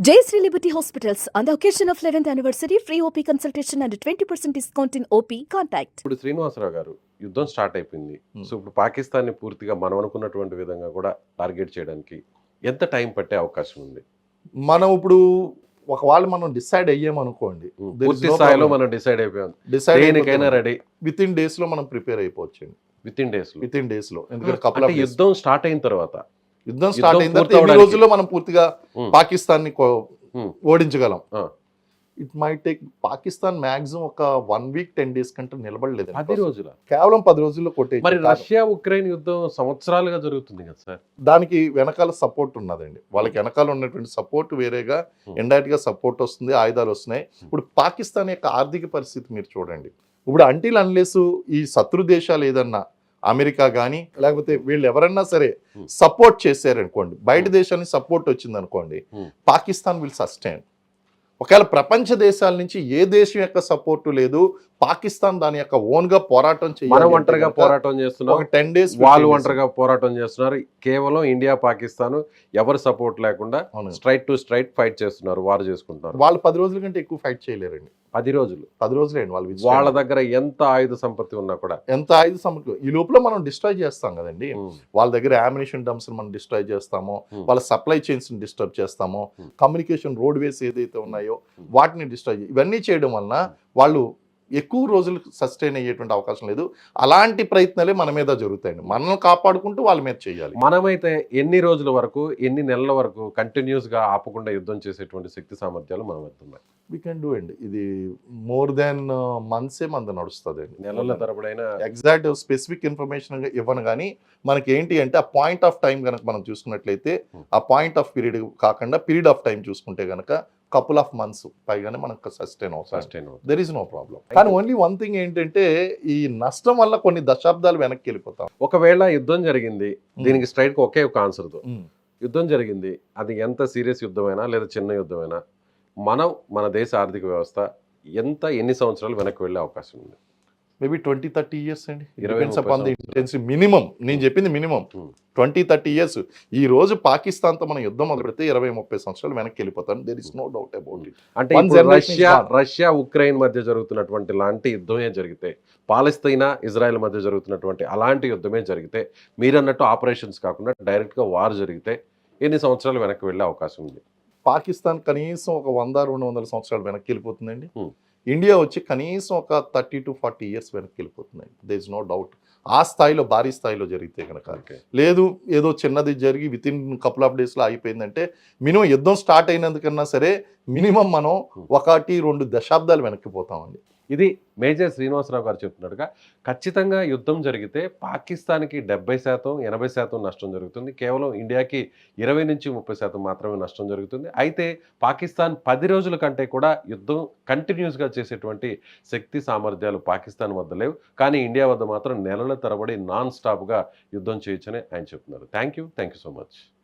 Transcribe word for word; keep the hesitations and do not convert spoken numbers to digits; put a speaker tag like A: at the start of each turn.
A: Jayashree Liberty Hospitals, on the occasion of eleventh anniversary, free O P consultation and twenty percent discount in O P. Contact.
B: ఇప్పుడు శ్రీనివాసరావు గారు యుద్ధం start అయిపోయింది. So ఇప్పుడు పాకిస్తాన్ని పూర్తిగా మనం అనుకున్నటువంటి విధంగా కూడా టార్గెట్ చేయడానికి ఎంత టైం పట్టే అవకాశం ఉంది?
C: మనం ఇప్పుడు ఒకవేళ మనం డిసైడ్ అయ్యామనుకోండి,
B: పూర్తి స్థాయిలో మనం డిసైడ్ అయిపోయాం,
C: డిసైడ్
B: దేనికైనా రెడీ,
C: విత్ ఇన్ డేస్ లో మనం ప్రిపేర్ అయిపోవచ్చు.
B: Within days
C: within days లో ఎందుకంటే కపుల్ ఆఫ్
B: యుద్ధం స్టార్ట్ అయిన తర్వాత
C: యుద్ధం స్టార్ట్ అయిన తర్వాత ఎన్ని రోజుల్లో మనం పూర్తిగా పాకిస్తాన్ ని ఓడించగలం. It my take Pakistan maximum ఒక వన్ వీక్ టెన్ డేస్ కంటే నిలబడలేదు.
B: పది రోజుల
C: కేవలం పది రోజుల్లో కొట్టే.
B: మరి రష్యా ఉక్రెయిన్ యుద్ధం సంవత్సరాలుగా జరుగుతుంది కదా సార్.
C: దానికి వెనకాల సపోర్ట్ ఉన్నదండి. వాళ్ళకి వెనకాల ఉన్నటువంటి సపోర్ట్ వేరేగా ఇండైరెక్ట్ గా సపోర్ట్ వస్తుంది, ఆయుధాలు వస్తున్నాయి. ఇప్పుడు పాకిస్తాన్ యొక్క ఆర్థిక పరిస్థితి మీరు చూడండి. ఇప్పుడు అంటిల్ అన్లెస్ ఈ శత్రు దేశాలు ఏదన్నా అమెరికా కానీ లేకపోతే వీళ్ళు ఎవరన్నా సరే సపోర్ట్ చేశారనుకోండి, బయట దేశానికి సపోర్ట్ వచ్చింది అనుకోండి, పాకిస్తాన్ విల్ సస్టైన్. ఒకవేళ ప్రపంచ దేశాల నుంచి ఏ దేశం యొక్క సపోర్టు లేదు, పాకిస్తాన్ దాని యొక్క ఓన్ గా పోరాటం చేయాలి.
B: ఒంటరిగా పోరాటం చేస్తున్నారు,
C: టెన్ డేస్
B: వాళ్ళు ఒంటరిగా పోరాటం చేస్తున్నారు. కేవలం ఇండియా పాకిస్తాన్ ఎవరు సపోర్ట్ లేకుండా స్ట్రైట్ టు స్ట్రైట్ ఫైట్ చేస్తున్నారు, వారు చేసుకుంటున్నారు.
C: వాళ్ళు పది రోజుల కంటే ఎక్కువ ఫైట్ చేయలేరండి.
B: పది రోజులు
C: పది రోజులేండి వాళ్ళు.
B: వాళ్ళ దగ్గర ఎంత ఆయుధ సంపత్తి ఉన్నా కూడా,
C: ఎంత ఆయుధ సంపత్తి ఈ లోపల మనం డిస్ట్రాయ్ చేస్తాం కదండి. వాళ్ళ దగ్గర అమ్యునిషన్ డంప్స్ మనం డిస్ట్రాయ్ చేస్తాము, వాళ్ళ సప్లై చైన్స్ ని డిస్టర్బ్ చేస్తాము, కమ్యూనికేషన్ రోడ్ వేస్ ఏదైతే ఉన్నాయో వాటిని డిస్ట్రాయ్, ఇవన్నీ చేయడం వలన వాళ్ళు ఎక్కువ రోజులు సస్టైన్ అయ్యేటువంటి అవకాశం లేదు. అలాంటి ప్రయత్నాలే మన మీద జరుగుతాయండి. మనల్ని కాపాడుకుంటూ వాళ్ళ మీద చేయాలి.
B: మనమైతే ఎన్ని రోజుల వరకు, ఎన్ని నెలల వరకు కంటిన్యూస్ గా ఆపకుండా యుద్ధం చేసేటువంటి శక్తి సామర్థ్యాలు మనం వెళ్తున్నాయి?
C: వీ కెన్ డూ అండి. ఇది మోర్ దాన్ మంత్సే మంది నడుస్తుంది అండి.
B: నెలల తరబడైనా
C: ఎగ్జాక్ట్ స్పెసిఫిక్ ఇన్ఫర్మేషన్ ఇవ్వను కానీ మనకి ఏంటి అంటే ఆ పాయింట్ ఆఫ్ టైం కనుక మనం చూసుకున్నట్లయితే, ఆ పాయింట్ ఆఫ్ పీరియడ్ కాకుండా పీరియడ్ ఆఫ్ టైం చూసుకుంటే కనుక కపుల్ ఆఫ్ మంత్స్ పైగానే మనకు సస్టైన్ అవుతుంది. There is no problem. కానీ ఓన్లీ వన్ థింగ్ ఏంటంటే ఈ నష్టం వల్ల కొన్ని దశాబ్దాలు వెనక్కి వెళ్ళిపోతాం.
B: ఒకవేళ యుద్ధం జరిగింది, దీనికి స్ట్రైట్ గా ఒకే ఒక ఆన్సర్ తో, యుద్ధం జరిగింది, అది ఎంత సీరియస్ యుద్ధమైనా లేదా చిన్న యుద్ధమైనా మనం మన దేశ ఆర్థిక వ్యవస్థ ఎంత ఎన్ని సంవత్సరాలు వెనక్కి వెళ్ళే అవకాశం ఉంది?
C: మేబీ ట్వంటీ థర్టీ ఇయర్స్ అండి. మినిమం నేను చెప్పింది మినిమం ట్వంటీ థర్టీ ఇయర్స్. ఈ రోజు పాకిస్తాన్ తో మనం యుద్ధం మొదలు పెడితే ఇరవై ముప్పై సంవత్సరాలు వెనక్కి వెళ్ళిపోతాం. There is no doubt about it.
B: అంటే రష్యా రష్యా ఉక్రెయిన్ మధ్య జరుగుతున్నటువంటి లాంటి యుద్ధమే జరిగితే, పాలస్తీనా ఇజ్రాయెల్ మధ్య జరుగుతున్నటువంటి అలాంటి యుద్ధమే జరిగితే, మీరన్నట్టు ఆపరేషన్స్ కాకుండా డైరెక్ట్ గా వార్ జరిగితే ఎన్ని సంవత్సరాలు వెనక్కి వెళ్ళే అవకాశం ఉంది?
C: పాకిస్తాన్ కనీసం ఒక వంద రెండు వందల సంవత్సరాలు వెనక్కి వెళ్ళిపోతుందండి. ఇండియా వచ్చి కనీసం ఒక థర్టీ టు ఫార్టీ ఇయర్స్ వెనక్కి వెళ్ళిపోతున్నాయి. There is no doubt. ఆ స్థాయిలో భారీ స్థాయిలో జరిగితే కనుక, లేదు ఏదో చిన్నది జరిగి విత్ ఇన్ కపుల్ ఆఫ్ డేస్లో అయిపోయిందంటే, మినిమం యుద్ధం స్టార్ట్ అయినందుకన్నా సరే మినిమం మనం ఒకటి రెండు దశాబ్దాలు వెనక్కిపోతామండి.
B: ఇది మేజర్ శ్రీనివాసరావు గారు చెప్తున్నట్టుగా ఖచ్చితంగా యుద్ధం జరిగితే పాకిస్తాన్కి డెబ్బై శాతం ఎనభై శాతం నష్టం జరుగుతుంది, కేవలం ఇండియాకి ఇరవై నుంచి ముప్పై శాతం మాత్రమే నష్టం జరుగుతుంది. అయితే పాకిస్తాన్ పది రోజుల కంటే కూడా యుద్ధం కంటిన్యూస్గా చేసేటువంటి శక్తి సామర్థ్యాలు పాకిస్తాన్ వద్ద లేవు, కానీ ఇండియా వద్ద మాత్రం నెలల తరబడి నాన్ స్టాప్గా యుద్ధం చేయొచ్చని ఆయన చెప్తున్నారు. Thank you thank you so much.